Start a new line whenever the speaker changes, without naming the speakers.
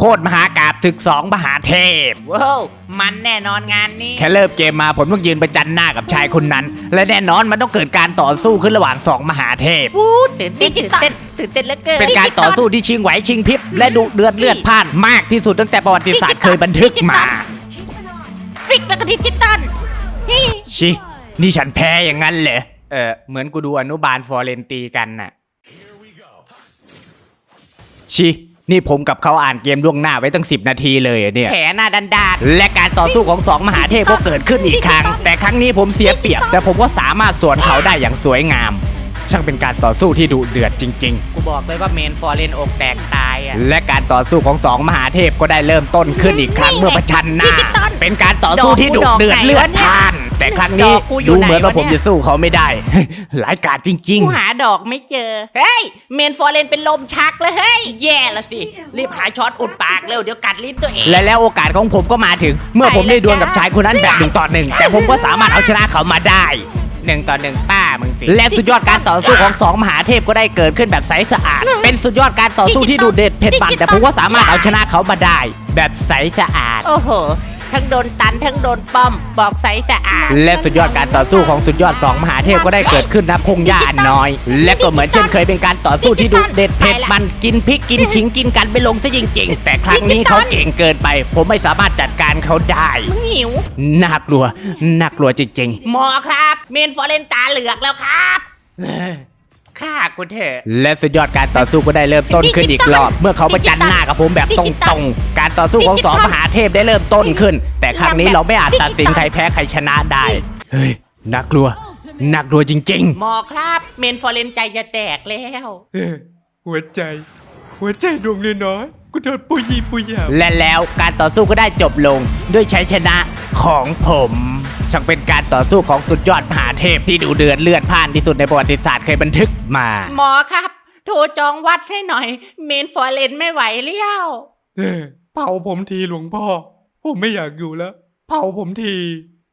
ตรมหากาพย์ศึก2มหาเทพว้าวมันแน่นอนงานนี้แค่เริ่มเกมมาผมต้องยืนประจันหน้ากับชายคนนั้นและแน่นอนมันต้องเกิดการต่อสู้ขึ้นระหว่าง2มหาเทพ
ตื่นเต้นเหลือเกิน
เป็นการต่อสู้ที่ชิงไหวชิงพริบและดุเดือดเลือดพล่านมากที่สุดตั้งแต่ประวัติศาสตร์เคยบันทึกมา
ฟิกแล้วก็ดิจิตอล
ชินี่ฉันแพ้อย่างนั้นเหรอเหมือนกูดูอนุบาลฟอร์เรนตีกันน่ะชินี่ผมกับเขาอ่านเกมล่วงหน้าไว้ตั้ง10 นาทีเลยเนี่ยแผลหน้าดันดาดและการต่อสู้ของ2มหาเทพก็เกิดขึ้นอีกครั้งแต่ครั้งนี้ผมเสียเปรียบแต่ผมก็สามารถสวนเขาได้อย่างสวยงามช่างเป็นการต่อสู้ที่ดุเดือดจริงๆกูบอกเลยว่าเมนฟอร์เรนอกแตกตายและการต่อสู้ของ2มหาเทพก็ได้เริ่มต้นขึ้นอีกครั้งเมื่อประชันหน้าเป็นการต่อสู้ที่ดุเดือดเลือดพล่านแต่ครั้งนี้ดูเหมือนว่าผมจะสู้เขาไม่ได้หลายกาจจริง
ๆกูหาดอกไม่เจอเฮ้ยเมนฟอร์เรนเป็นลมชักเลยเฮ้ยแย่ละสิรีบหาช็อตอุดปากเร็วเดี๋ยวกัดลิ้นตัวเอง
และแล้วโอกาสของผมก็มาถึงเมื่อผมได้ดวลกับชายคนนั้นแบบ1 ต่อ 1แต่ผมก็สามารถเอาชนะเขามาได้1 ต่อ 1ป้ามึงสิและสุดยอดการต่อสู้ของ2มหาเทพก็ได้เกิดขึ้นแบบใสสะอาดเป็นสุดยอดการต่อสู้ที่ดุเด็ดเผ็ดปั่นแต่ผมก็สามารถเอาชนะเขามาได้แบบใสสะอาด
โอ้โหทั้งโดนตันทั้งโดนป้อมบอกใสสะอาด
และสุดยอดการต่อสู้ของสุดยอด2มหาเทพก็ได้เกิดขึ้นณพงหญ้าอันน้อยและก็เหมือนเช่นเคยเป็นการต่อสู้ที่ดุเด็ดเผ็ดมันกินพริกกินขิงกินกันไปลงซะจริงๆแต่ครั้งนี้เขาเก่งเกินไปผมไม่สามารถจัดการเขาได้
มึงหิว
น่ากลัวจริง
ๆหมอครับเมนฟอร์เรนตาเหลือกแล้วครับฆ่ากูเถอะ
และสุดยอดการต่อสู้ก็ได้เริ่มต้นขึ้นอีกรอบเมื่อเขาประจันหน้ากับผมแบบตรงๆการต่อสู้ของ2มหาเทพได้เริ่มต้นขึ้นแต่ครั้งนี้เราไม่อาจตัดสินใครแพ้ใครชนะได้เฮ้ยน่ากลัวจริง
ๆหมอครับเมนฟอร์เรนใจจะแตกแล้ว
หัวใจดวงน้อยกูโดนปุยและแล้วการต่อสู้ก็ได้จบลงด้วยชัยชนะของผมช่างเป็นการต่อสู้ของสุดยอดมหาเทพที่ดุเดือดเลือดพล่านที่สุดในประวัติศาสตร์เคยบันทึกมา
หมอครับโทรจองวัดให้หน่อยเมนฟอร์เรนไม่ไหวเลี้ยว
เผาผมทีหลวงพ่อผมไม่อยากอยู่แล้วเผาผมที